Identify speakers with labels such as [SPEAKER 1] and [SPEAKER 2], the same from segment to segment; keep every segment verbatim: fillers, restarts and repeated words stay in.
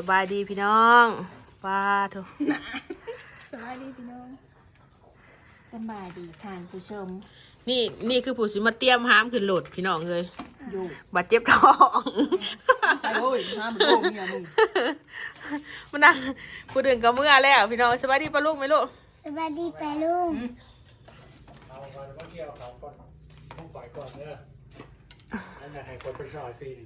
[SPEAKER 1] บายดีพี่น้องป้าทุก
[SPEAKER 2] สบายดีพี่น้องสบายดีท่านผู้ชม
[SPEAKER 1] นี่นี่คือผู้สิมาเตรียมห้ามขึ้นโหลดพี่น้องเลย
[SPEAKER 2] อยู่
[SPEAKER 1] บาดเจ็บท้อง
[SPEAKER 2] ไปโอ้ยห้ามโอ้ยเมียมึง
[SPEAKER 1] มันนั่งผู้ดึงกับเมื่อแล้วพี่น้องสบายดีป้าลูกไหมลูก
[SPEAKER 3] สวัสดีป้าลุง
[SPEAKER 4] เอาก่อนมาเกี่ยวเขาก่อนต้องฝ่ายก่อนเนอะนั่นแหละให้คนไปซอยปีนึง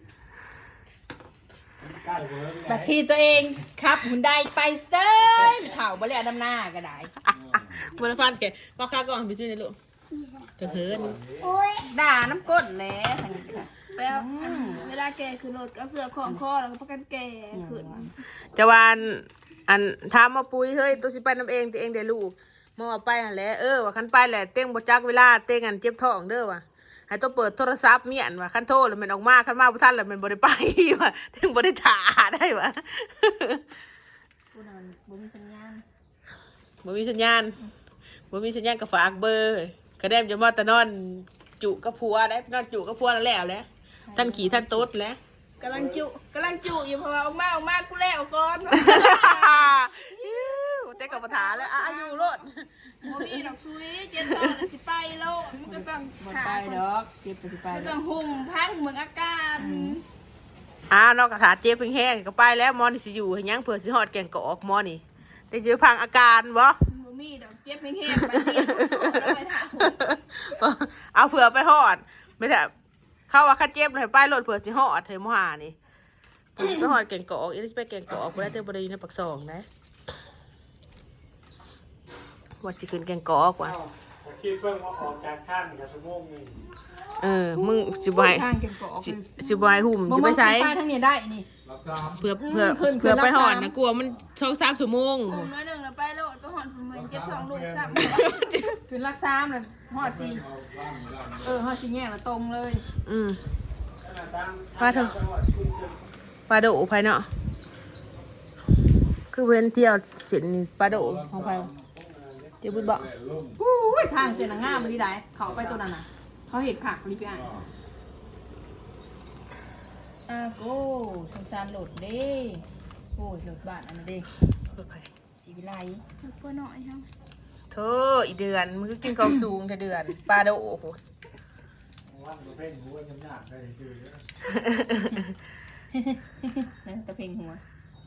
[SPEAKER 4] ใกล้เวิร์ก
[SPEAKER 2] บัดทีตัวเองครับหุ่นได้ไปเซ้ยเถ่าบ่เลยดำหน้าก็ได้
[SPEAKER 1] มันฟันแกว่าข้าก่อนไปซื้อในลูกเถิดเถิด
[SPEAKER 3] โอ้ย
[SPEAKER 2] ด่าน้ำก้นแหล้ทั้งนี้ค่ะ
[SPEAKER 5] แป๊บเวลาแกคือรถก็เสือของคอแล้วก็ประกันแกขึ้น
[SPEAKER 1] จะวานอันถามมาปุ้ยเฮ้ยตัวสิไปน้ำเองตัวเองเดี๋ยวลูกมองว่าไปหันแหละเออว่าคันไปแหละเต้งบ่จักเวลาเต้งอันเจ็บท้องเด้อว่ะให้ตัวเปิดโทรศัพท์เมียนว่ะคันโทรแล้วมันออกมาคันมาบ่ทันแล้วมันบ่ได้ไปว่ะเต้งบ่ได้ถ่าได้ว่ะ
[SPEAKER 2] กูนอนบ่มีสัญญาณ
[SPEAKER 1] บ่มีสัญญาณบ่มีสัญญาณก็ฝากเบอร์กระแดมจะมาแต่นอนจุกับผัวได้นอนจุกับผัวแล้วแล้วแหละท่านขี่ท่านโต๊ดแล้ว
[SPEAKER 5] กำลังจุกำลังจุอยู่เพราะว่าออกมาออกมากูแล้วก่อน
[SPEAKER 1] เต้กับประธานแล้วอายุรถ
[SPEAKER 5] โมมีดอกซุยเจนตอนสิไปโลดมันก็ต้อง
[SPEAKER 2] บ่
[SPEAKER 5] ขา
[SPEAKER 2] ไปดอกเจ็บไปสิไป
[SPEAKER 5] ก็
[SPEAKER 2] ด
[SPEAKER 5] ต้
[SPEAKER 2] อ
[SPEAKER 5] อก งหุ่มพังเหมือนอาการ
[SPEAKER 1] อ่านอกกระถาเจ็บแห้งๆก็ไปแล้วมอนี่สิอยู่ให้ยังเผื่อสิฮอดแก่งกอกมอนี่แต่จะพังอาการบ่
[SPEAKER 5] โมมีดอกเจ็บแห้งๆไปเดียวแล้วไปถาม
[SPEAKER 1] เอาเผื่อไปฮอดไม่ได้เข้าว่าคันเจ็บเลยไปรถเผื่อสิฮอดเทมหานี่เผื่อสิไปฮอดแก่งกอกอีนี่สิไปแก่งกอกบ่ได้แต่บ่ได้อยู่ในปักซองนะว่าสิขึ้นแก่งกอกว่ะ
[SPEAKER 4] คิดเพิ่งว่าออกจากท่านกับสมองนี่
[SPEAKER 1] เออมึงสิบ่ให้
[SPEAKER 2] ทางเก่งกอก
[SPEAKER 1] สิสิบ่ให้หุ่มสิไปใช้
[SPEAKER 2] ไปทางนี้ได้นี่
[SPEAKER 4] รับทราบ
[SPEAKER 1] เพื่อเพื่อ
[SPEAKER 2] ขึ้น
[SPEAKER 1] เพื่อ
[SPEAKER 2] ขึ้น
[SPEAKER 1] ไปหอด
[SPEAKER 2] รับ
[SPEAKER 1] นะ
[SPEAKER 2] สาม
[SPEAKER 1] กลัวมันช่องสามชั่วโมง
[SPEAKER 5] หุ่มน้อยหนึ่งแล้วไปโลดก็หอนเหมือนเจ็บท้องลูกซ้
[SPEAKER 2] ขึ้นรักซ้ำน่ะฮอดสิเออฮอดสิแยกละตรงเลย
[SPEAKER 1] อืมปลาเถอะปลาโดภายเนาะคือเว้นเที่ยวเสินนี่ปลาโดของใครเจ้าบุญบอก
[SPEAKER 2] อู้ยทางเส้นน่ะงามดีได้เขาไปตัวนั้นน่ะเขาเห็นขักรีบไปอ่านอาโก้ทางจานโหลดเด้โอ้ยโหลดบ้านอันนั้นเด้
[SPEAKER 1] รถไฟ
[SPEAKER 2] ชีวิไล
[SPEAKER 5] ำตัวหน่อยครับ
[SPEAKER 1] เธออีเดือนมึงก็กินของสูงแต่เดือนปลาโดโอ้โห
[SPEAKER 4] วันมาเพ่งหัวยังยากได้ชื่อเยอะ
[SPEAKER 2] นะตะเพ่งหัว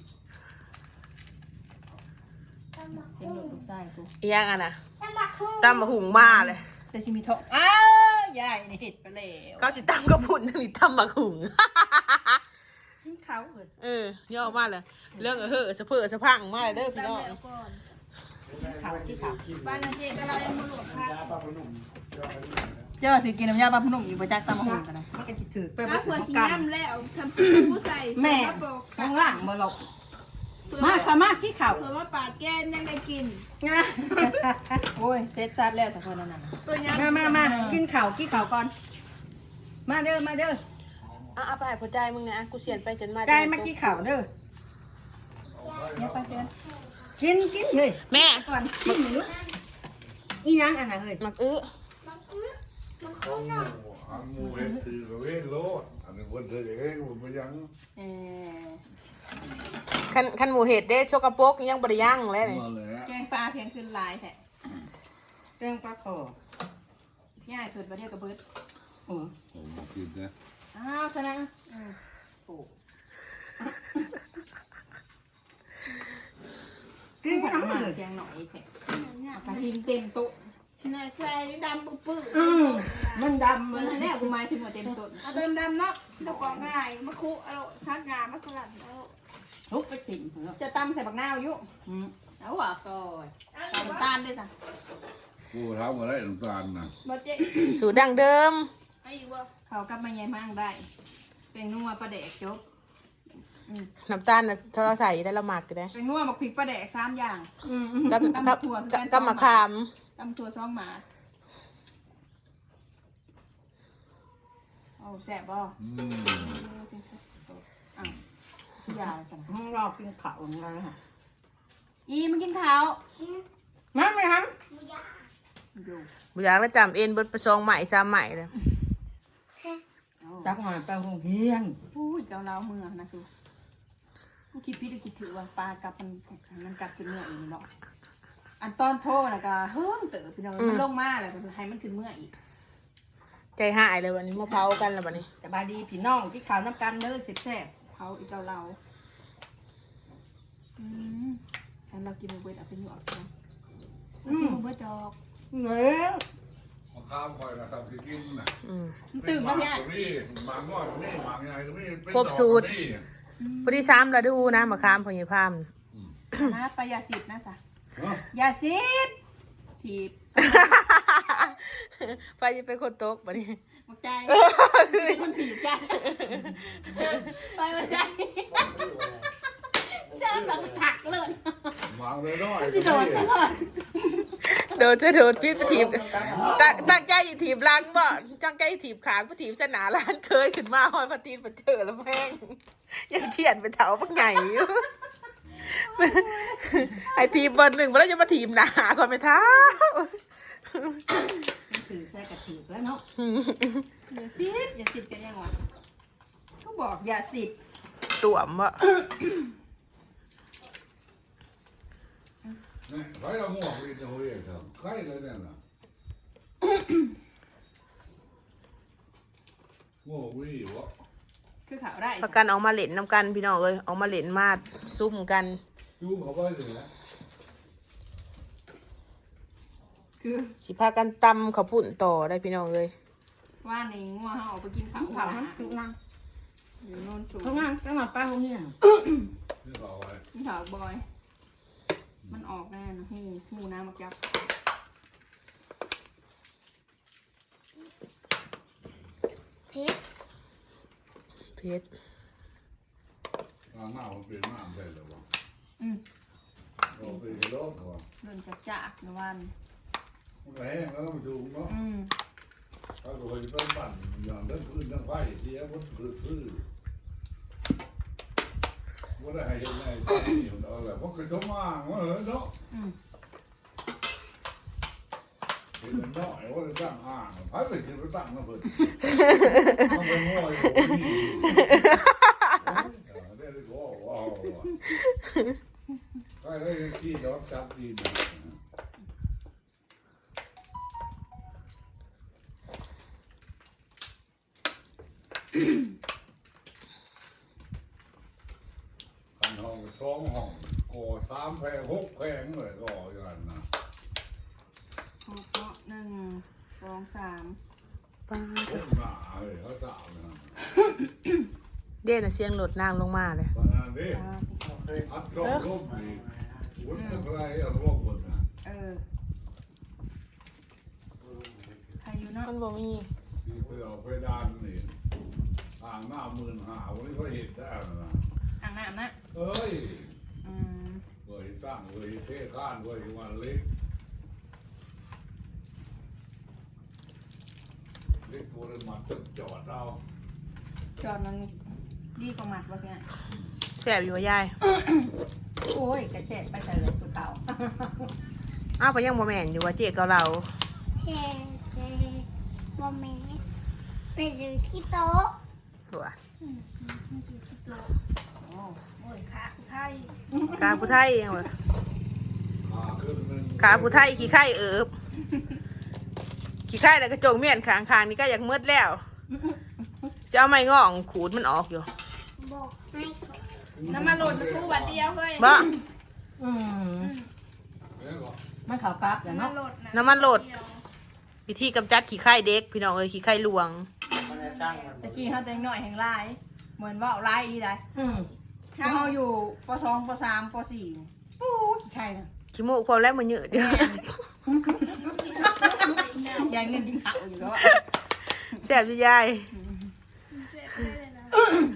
[SPEAKER 2] เสียงโหลดลูกไส้กู
[SPEAKER 1] อีหยังอ่ะนะ
[SPEAKER 3] ตำบักหุ่ง
[SPEAKER 1] ตำมะหุงมาเลย
[SPEAKER 2] แต่ชิมีทองอ้าวยายนี่เห็ดไปแล้ว
[SPEAKER 1] เขาจิตำกระพุ่นนี่ตำมะหุง
[SPEAKER 2] กินเขาเหรอ
[SPEAKER 1] เออย่อมาเลยเรื่องเออเฮ้อสะเพื่อสะพังมาเลยเด้อพี่น้อง
[SPEAKER 5] แล้วก่อน
[SPEAKER 2] เขาที่เขา
[SPEAKER 5] บ้านนาเจก็เรายังมาหลวกค่ะ
[SPEAKER 4] ยาปลาพนุ่ม
[SPEAKER 2] เจ้าถือกินน้ำยาปลาพนุ่มอีกประจักษ์ตามมาหุ่นกันนะมันก็จะถือไป
[SPEAKER 5] ถ้า
[SPEAKER 2] บ
[SPEAKER 5] เผื่อ
[SPEAKER 2] น
[SPEAKER 5] ชิ้
[SPEAKER 2] กัน
[SPEAKER 5] น้ำแล้วทำชิ้นผู้ใส่
[SPEAKER 2] แม่
[SPEAKER 5] ปอก
[SPEAKER 2] ข้างล่างมาหลบมาค่ะมาขี้เข่า
[SPEAKER 5] เผื่อว่าปาดแก้นยังได้กิน
[SPEAKER 2] โอ้ยเซ็ตซัดแล้วสักคนนั้นน่ะ
[SPEAKER 5] ตัวนี้
[SPEAKER 2] มามามากินข่าวกินข่าวก่อน มาเด้อมาเด้อ
[SPEAKER 1] อ่ะเอาไปให้หัวใจมึงนะกูเสียนไปจนมา
[SPEAKER 2] ใจมากินข่าวเด้อเนี่ยไปเด้อกินกินเฮ้ย
[SPEAKER 1] แม่
[SPEAKER 2] ก่อนกินหนูอีหยังอันน่ะเฮ้ย
[SPEAKER 1] มักอื้อ
[SPEAKER 6] อันมูเห็ดถือเวทโลดอันนี้คนเธอเองผมไปยัง
[SPEAKER 2] เออ
[SPEAKER 1] คันคันหมูเห็ดเด้ชกกระปกยังบริยังเลยนี่
[SPEAKER 6] มาเลยฮะ
[SPEAKER 5] แกงปลาเพียงขึ้นลายแท้
[SPEAKER 2] เรื่องปลาคอ
[SPEAKER 5] พี่ใหญ่สุดมาเดียวกับเบิร์ด
[SPEAKER 2] โอ้
[SPEAKER 6] ผมมากินนะ
[SPEAKER 2] อ้าวชนะอืมโอ้กินผัดหมันเสียงหน่อยแท้กระทิงเต็มโต๊ะ
[SPEAKER 5] น่าใจดำปุ๊บปุ๊บ
[SPEAKER 2] อืมมันดำมันแน่กูหมายถึงว่าเต็มโต๊ะ
[SPEAKER 5] เอาเติมดำเนาะดอกกองง่ายมะคุเอาพักงามาสลัดเอา
[SPEAKER 2] ทุกไปติ่มจะตำใส่บักนาวอยู่อืมเอาว่ะก่อนใส่น้ำตาลด้วยจ้ะ
[SPEAKER 6] กูทำมาได้น้ำตาลนะ
[SPEAKER 5] บาเจ๊
[SPEAKER 1] สูตรดั้งเดิม
[SPEAKER 5] ไอ้อยู่บ่
[SPEAKER 2] เขากลับมาใหญ่มากได้เป็นนัวปลาแดกจบ
[SPEAKER 1] น้ำตาลน่ะถ้าเราใส่ได้ละหมักก็ได้
[SPEAKER 2] เป็นนัวบักพริกปลาแดกสามอย่าง
[SPEAKER 1] กับ
[SPEAKER 2] ตำ
[SPEAKER 1] กับ
[SPEAKER 2] ถั่วคือ
[SPEAKER 1] กับ
[SPEAKER 2] การ
[SPEAKER 1] กับมะขาม
[SPEAKER 2] ตำถั่วซองหมาโอ้แซ่บบ่
[SPEAKER 6] อืม
[SPEAKER 2] อ้าวอย่าสั่งห้องรอกินข้าวของเราค่ะอีมากินข้าวมาไหมครับอยู่
[SPEAKER 1] บุอยากแล้วจำเอ็นเบิดประชองใหม่ซ้ำใหม่เลย
[SPEAKER 2] จักหน่อยไปโรงเรียนอุ้ยเกาเหลาเมืองนะสูกูคิดพี่ได้คิดถือว่าปลากลับมันมันกลับขึ้นเมื่ออีกเนาะอันตอนโทษนะก็เฮ้ยเต๋อพี่น้องมันลงมาแล้วก็ให้มันขึ้นเมื่ออีก
[SPEAKER 1] ใจหายเลยวันนี้มาเผากันแล้ววันนี้
[SPEAKER 2] สบายดีพี่น้องที่ข่าวน้ำกันเด้อสิบแซ่บเผาอีกเจ้าเราอืมฉันเรากินเบิร์ดเอาไปหยวกนะกินเบิร์ดดอกเนื้อ
[SPEAKER 6] เอาข้ามคอยนะครับที่กินน่ะ
[SPEAKER 1] อืม
[SPEAKER 2] ตื่นมาพี่ไอ้
[SPEAKER 6] นี่บางน้อยนี่บางใหญ่ก็นี่เป็น
[SPEAKER 1] ครบสูตร
[SPEAKER 6] ดอกนี่
[SPEAKER 1] พอดีซ้ำแล้วดูนะมะขามพญพาม
[SPEAKER 2] นะไปยาสิบนะสะ
[SPEAKER 6] เนาะ
[SPEAKER 2] ยาสิบถีบ
[SPEAKER 1] ไปจะเป็นคนตกวันนี้
[SPEAKER 2] หมดใจมันถีบใจไปหมดใจเจอแบบถักเลย
[SPEAKER 6] บางเลยน้อย
[SPEAKER 2] สิโดดซะเลย
[SPEAKER 1] โดนจะโดนพิษไปถีบตั้งตั้งใจอยู่ถีบล้างบ่จังใจถีบขางไปถีบสนาล้านเคยขึ้นมาหอยพตีนมาเจอแล้วแม่งยังเขียนไปเถาปักไงอยู่ไอทีมเบอร์หนึ่งมาแล้วจะมาทีมหนาก่อนไปเท้า
[SPEAKER 2] ถือใส่กระถือแล้วเนาะอย่าสิบอย่าสิบกันยังวะก็บอกอย่าสิบ
[SPEAKER 1] ตัวมวะ
[SPEAKER 6] นี่ใครเอาหมวกนี่จะเรียกเถอะใครเลยเนี่ยนะหมวกวิ่งวะ
[SPEAKER 2] คือข่าวได้
[SPEAKER 1] ประกันออกมาเล่นน้ำกันพี่น้องเอ้ยออกมาเล่นมาซุ่มกัน
[SPEAKER 6] ยูเขาไปเลยนะ
[SPEAKER 2] คือ
[SPEAKER 1] สิพากันตำข้าวปุ่นต่อได้พี่น้องเลย
[SPEAKER 2] ว่าในงัวเขาออกไปกินข้าว
[SPEAKER 3] เผามันตุลัง
[SPEAKER 2] อยู่โน่นสูง
[SPEAKER 3] เขางานตั้งแต่ป้าเขาเนี่ย
[SPEAKER 6] นี่เขาเอาไว้
[SPEAKER 2] กินข้าวบอย มันออกแน่นะหูหูน้ำมักยับ
[SPEAKER 3] เพชร
[SPEAKER 1] เพชร
[SPEAKER 6] ทางหน้ามันเป็นหน้าใช่หรือวะ
[SPEAKER 2] อืม
[SPEAKER 6] เราไปโลกเขา
[SPEAKER 2] เดินจักจากในวัน
[SPEAKER 6] มันแห้งแล้วมันสูงเนาะ
[SPEAKER 2] อืม
[SPEAKER 6] ถ้าเราไปต้นปั่นอย่างนั้นพื้นทั้งไฟเสียมันพื้นพื้นว่าได้ให้ยังไงที่มันอะไรเพราะคือต้องมาว่าเหรอเนาะ
[SPEAKER 2] อืม
[SPEAKER 6] เห็นมันน้อยว่าจะตั้งอ่างพัดไปถึงไปตั้งมาเพิ่นมันเป็นง้อยโอ้ยได้เลยว้าวว้าวใครได้ที่ดอกจับดีนะกันห้องสองห้องก่อสามแพงหกแพงเลยก่ออย่างนั้นนะ
[SPEAKER 2] หกเนาะหนึ่งสองสาม
[SPEAKER 1] ป้า
[SPEAKER 6] เล่นหนาเลยเขาสาวนะ
[SPEAKER 1] เด่นะเสียงหลดนางลงมาเลย
[SPEAKER 6] ตอนนั้นดิ
[SPEAKER 2] สาม
[SPEAKER 6] อัดกล้องรูปดีวุ้นอะไรเอารูปหมดนะ
[SPEAKER 2] เออใครอยู่เนาะ
[SPEAKER 1] มันบอกมี
[SPEAKER 6] ที่ไปเอาไปด้านนี่ทางหน้าหมื่นหาวันนี้ก็เห็นได้นะ
[SPEAKER 2] อ่างน้ำนะ
[SPEAKER 6] เอ้ย
[SPEAKER 2] อืม
[SPEAKER 6] เคยตั้งเคยเทข้านเคยวันเล็กเล็กตัวนั้นมาตึกจอดเอา
[SPEAKER 2] จอดมันดีกว่าหมัดวะเนี่ย
[SPEAKER 1] แสบอยู่ว่ายาย
[SPEAKER 2] โอ้ยกระเจ็ดไปใส่เลยตัวเก่า
[SPEAKER 1] อ้าวไปยังโมแมนอยู่ว่าเจ๊กับเรา
[SPEAKER 3] แช่แช่บะหมี่ไปซื้อที่โต๊ะ
[SPEAKER 1] ตัว
[SPEAKER 2] โอ้
[SPEAKER 5] โอ้ยขาไทย
[SPEAKER 1] กาผู้ไทยยังวะ
[SPEAKER 6] ขาขึ้นนึง
[SPEAKER 1] ขาผู้ไทยขี้ไข่เอิบขี้ไข่แล้วกระจงเมียนขางคางๆนี่ก็อยากมืดแล้วจะเอาไม้ง่องขูดมันออกอยู่
[SPEAKER 3] บอกให้เขา
[SPEAKER 5] น้ำมันหล่นมาทูบัดเดียวเฮ้ย
[SPEAKER 1] บ่
[SPEAKER 2] อืม
[SPEAKER 6] เนี่ยหรอ
[SPEAKER 2] ไม่ขาวปั๊บแต่
[SPEAKER 5] น้ำมัน
[SPEAKER 2] เนาะ
[SPEAKER 5] หล่น
[SPEAKER 1] น้ำมันโหลดวิธีกำจัดขี้ไข่เด็กพี่น้องเอ้ยขี้ไข่ลวง
[SPEAKER 4] มันจะช่างมัน
[SPEAKER 2] ตะกี้เขาแต่งหน่อยแห่งลาย เหมือนว่าเอาลายอีได้อืมเขาอยู่ปสองปสามปสี่โอ้ยใครนะ
[SPEAKER 1] ขี้มูกพอแล้วมันเยอะเดียวย
[SPEAKER 2] ายเงินกินข้าวอยู่ก็ว่า
[SPEAKER 1] แสบอยู่ยาย
[SPEAKER 5] เจ็บได้เลยนะ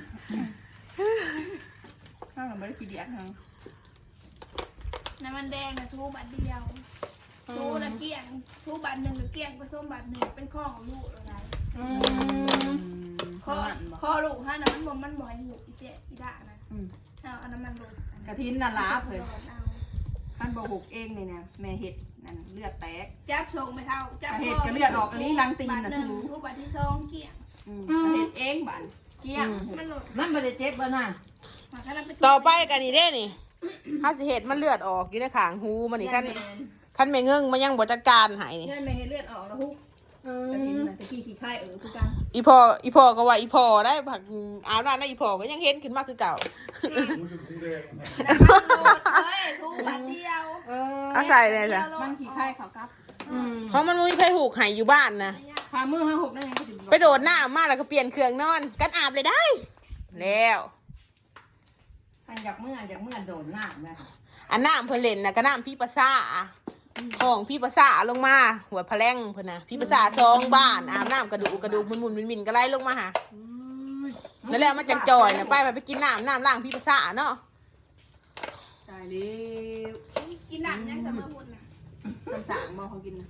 [SPEAKER 2] ข้าวหนูไม่ได้กินเดียกทั้ง
[SPEAKER 5] น้ำมันแดงนะทูบัดเดียวทูละเกี่ยงทูบัดหนึ่งหรือเกี่ยงผสมบัดหนึ่งเป็นข้อของลูกอะไร
[SPEAKER 2] อืม
[SPEAKER 5] ข้อข้อลูกฮะน้ำมันบ่มันบ่อยหูอีเจ๊อีด่านะ
[SPEAKER 2] อืม
[SPEAKER 5] เอาเอาน้ำมันลง
[SPEAKER 2] กระทินน่ะลาบเลย
[SPEAKER 5] เอา
[SPEAKER 2] ท่านบอกหกเองเลยเนี่ยแม่เห็ดนั่นเลือดแตก
[SPEAKER 5] จับส่งไปเท่าจับ
[SPEAKER 2] แต่เห็ดก็เลือดออกอันนี้รังตีน
[SPEAKER 5] บั
[SPEAKER 2] น่ะ
[SPEAKER 5] ดหนึ่ง
[SPEAKER 2] ทู
[SPEAKER 5] ทูบัดที่สองเกี่ยง
[SPEAKER 2] อืมเห็ดเองบันเกี้ยง
[SPEAKER 5] มันหลุด
[SPEAKER 7] มันไม่ได้เจ็บบ่น่ะ
[SPEAKER 5] มาให้เราไป
[SPEAKER 1] ต่อไปกันนี่เด้นี่ถ้าสิเหตุมันเลือดออกอยู่ในขางหูมันนี่ขั้นขั้นไม่เงื่งมันยังบ่จัดการใหายนี่
[SPEAKER 5] เลือดไม่ให้เลือดออกแล้วฮุก
[SPEAKER 2] อื
[SPEAKER 5] แต่กิน
[SPEAKER 2] ม
[SPEAKER 5] น่ะแต่กี้ขี้ไข่เออคือกัน
[SPEAKER 1] อีพออีพอก็ว่าอีพอได้ผักอาบน้ำนะอีพอก็ยังเห็นขึ้นมาคือเก่า
[SPEAKER 6] มันจะคุ้งแดง
[SPEAKER 5] เฮ้ยทูบัดเดียว
[SPEAKER 2] เออ
[SPEAKER 1] เอาใส่เลยจ้ะ
[SPEAKER 2] มันขี้ไข่เขากับอืม
[SPEAKER 1] เพราะมันมีไผหูกใหายอยู่บ้านนะ
[SPEAKER 2] พามือห้าหกนั่นเองก็ถึง
[SPEAKER 1] ไปโดดน้ำมาแล้วก็เปลี่ยนเครื่องนอนกันอาบเลยได้ แล้ว
[SPEAKER 2] อันอยากเมื่ออยากเมื่อโดนหน้าแม่
[SPEAKER 1] อันน้ำเพิ่นเล่นนะก็น้ำพี่ประสาห้องพี่ประสาลงมา หัวพะแลงเพิ่นนะพี่ประสาซองบ้านอาบน้ำกระดูกกระดูกมุนมุนมินมินก็ไล่ลงมาหานั่นแหละมันจังจอยนะไปไปกินน้ำน้ำล้างพี่ประสาเนาะ
[SPEAKER 2] ตายแล้ว
[SPEAKER 5] กินหนักยังเสมอหุ่นน่ะ
[SPEAKER 2] มันสางมองเขากินนะ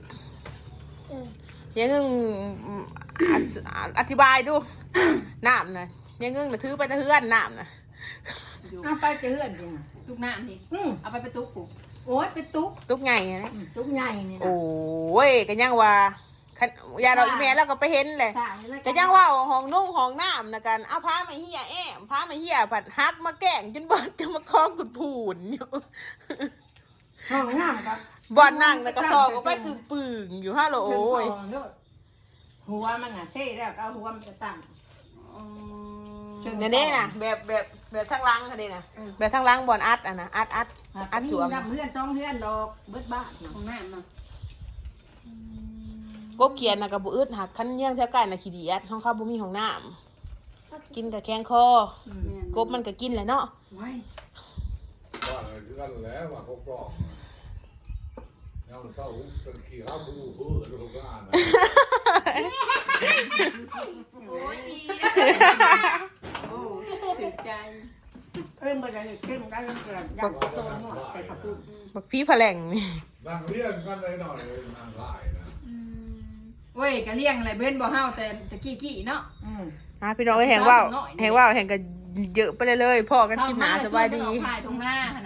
[SPEAKER 1] ยังงึงอธิอธิบายดู น้ำนะยังงึงนะถือไปตะเฮือนน้ำนะ
[SPEAKER 2] เอาไปเจอเพื่อนจริงอ่ะ
[SPEAKER 5] ตุกน้ำนี่
[SPEAKER 2] อืม
[SPEAKER 5] เอาไปไปตุกกู
[SPEAKER 2] โอ้ยไปตุ๊ก
[SPEAKER 1] ตุกไงนะ
[SPEAKER 2] อืมตุ๊กใหญ่นี่นะ
[SPEAKER 1] โอ้ยก็ยังว่าคันยาดอกอีเมลแล้วก็ไปเห็นเลย
[SPEAKER 2] สางนี่แล้ว
[SPEAKER 1] ก็ยังว่าห้องนุ่งห้องน้ำนะกันเอาผ้ามาเหี่ยแอมผ้ามาเหี่ยผัดฮักมาแกล้งจนบอดจะมาคล้องกุดผูนอยู่
[SPEAKER 2] ห้องน้ำครับ
[SPEAKER 1] บอดนั่งแล้วก็ซอกออกไปปึ่งปึ่งๆอยู่ฮัลโหลโอ้ย
[SPEAKER 2] หัวมันอ่ะเท่แล้วก็เอาหัวมันจะตั้ง
[SPEAKER 1] เนี่ยนี่นะแบบแบบแบบทั้งลังค่ะนี่นะแบบทั้งลังบอลอัดอ่ะนะอัดอัดอัดจวม
[SPEAKER 2] น้ำเพื่อนจ้องเพื่อนดอกเบิดบ้านนะ
[SPEAKER 5] ของน้ำเนาะ
[SPEAKER 1] กบเกียนนะกับบุอึดหักขั้นเยี่ยงแถวใกล้นะขี้ดีอัดห้องข้าวบุมีของน้ำกินกับแข้งคอกบมันก็กินแหละเนาะ
[SPEAKER 2] ไว้
[SPEAKER 6] ว่าอะไรคือกันแล้วว่าเขากรอกยังเศร้าเป็นขี้ข้าวบูเพื่อลูกงานนะ
[SPEAKER 5] โอ้ยอี
[SPEAKER 2] โอ้ถึงใจเอ้ยมันจะเห็นเข้มได้ยังเกินอยากโตหน่อยใส่ผักบุ้ง
[SPEAKER 1] บักพี่แผลงนี่
[SPEAKER 6] นั่งเรียนกันเลยหน่อยเลยนั่งไล่นะ
[SPEAKER 2] เว้ยกะเลี้ยงอะไรเบ้นบ่เฮาแต่ตะกี้กี้เนาะอืม
[SPEAKER 1] อ่ะพี่น้องแห่งว่าวแห่งว่าวแห่งก็เยอะไปเลยเลยพ่อกันคลิปหนาสบายดี
[SPEAKER 5] ถ่ายตรงหน้าหัน